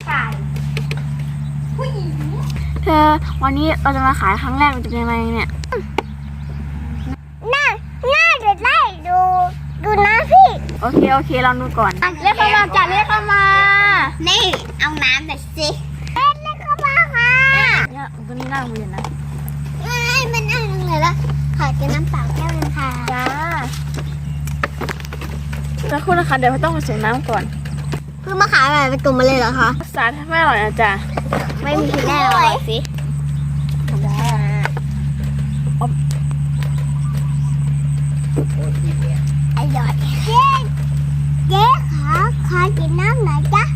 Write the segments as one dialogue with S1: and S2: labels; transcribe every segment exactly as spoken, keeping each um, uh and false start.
S1: ชายผู้หญิง
S2: เธอวันนี้เราจะมาขายครั้งแรกมันจะเป็นยังไงเนี่ย
S1: น่าน่าจะได้ดูดูนะพี่
S2: โอเคโอเคลองดูก่อนเรียกเข้ามาจ้ะเรียกเข้ามา
S1: นี่เอาน้ำหน่อยสิเรียกเข้ามาค่ะ
S2: เนี่ยตัวนี้น่าเรียนนะ
S1: ไอ้มันน่ารังเลยละขอกินน้ำเปล่าแก้วนึงค่ะ
S2: จ้าจะคุณนะคะเดี๋ยวเราต้องผสมน้ำก่อน
S1: เพิ่งมาขายอะไรเป็นกลุ่มมาเลยเหรอคะ
S2: สารไม่อร่อยนะจ๊ะ
S1: ไม่มีแน่เลยสิ
S2: จ้า
S1: อร่อยเจ๊เจ๊ขอขอกินน้ำหน่อยจ้ะ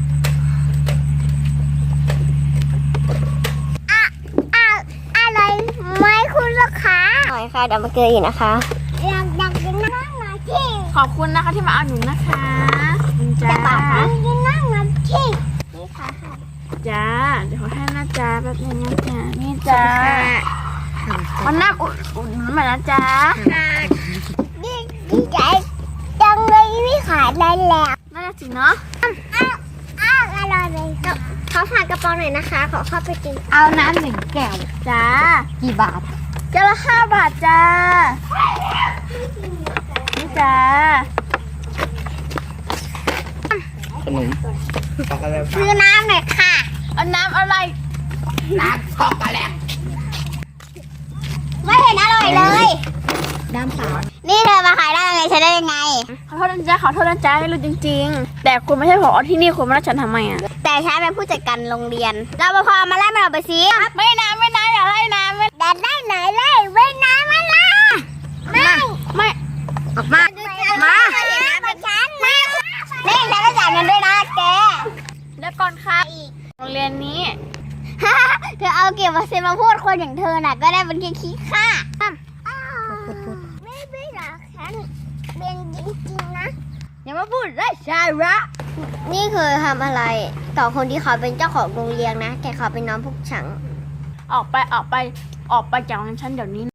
S1: อะอะอะไรไหมคุณลูกค้าหน่อยค่ะเดี๋ยวมาเจออีกนะคะอยากอยากกินน้ำหน่อยที่
S2: ขอบคุณนะคะที่มาเอาหนูนะคะจ้า
S1: กินน้ำหน่อยที่นี่ค่ะ
S2: จ้าเดี๋ยวขอให้นะจ้าแป๊บนึงนะจ้านี่จ้าวันหน้าอุ่นอุ่นเหมือนนะจ้า
S1: ดีดีใจจังเลยพี่ขายได้แล้ว
S2: น่าจะจริงเนาะ
S1: อ้าวอ้าวอร่อยเลยขอฝากกระป๋องหน่อยนะคะขอเข้าไปกินเอาน้ำหนึ่งแก้ว
S2: จ้า
S1: กี่บาท
S2: แก้วละห้าบาทจ้านี่จ้า
S3: ขนมช็อกโกแลต
S1: ซื้อน้ำหน่อยค่ะ
S2: เอาน้ำอะไร
S3: น้ำช็อกโกแลต
S1: ไม่เห็นอร่อยเลยน้ำเปล่านี่เธอมาขายได้ยังไงใช้ได้ยังไง
S2: ขอโทษนะจ๊ะขอโทษนะจ๊ะไม่รู้จริงๆแต่คุณไม่ใช่ผอที่นี่คุณมาไล่ฉันทำไมอ่ะ
S1: แต่ฉันเป็นผู้จัดการโรงเรียนเราพอมาไล่มันออกไปสิ
S2: ไม่น้ำไม่น้ำอย่าไล่น้ำไม่
S1: อยากได้ไหนไล่ไม่น้ำมันล่ะไม่
S2: ไม่
S1: ออกมามาเห็นน้ำเป็นฉันนี่ฉันจะจ่ายเงินด้วยนะแก
S2: แล้วก่อนค่ะโรงเรียนนี้
S1: เธอเอาเก็บมาเซ็นมาพูดคนอย่างเธอน่ะก็ได้เป็นแค่ขี้ข้าไม่ไม่หรอกฉันเป็นจริงๆนะ
S2: อย่ามาพูดไร้สาระ
S1: นี่คือทำอะไรต่อคนที่เขาเป็นเจ้าของโรงเรียนนะแต่เขาเป็นน้องพวกฉัน
S2: ออกไปออกไปออกไปจากโรงเรียนฉันเดี๋ยวนี้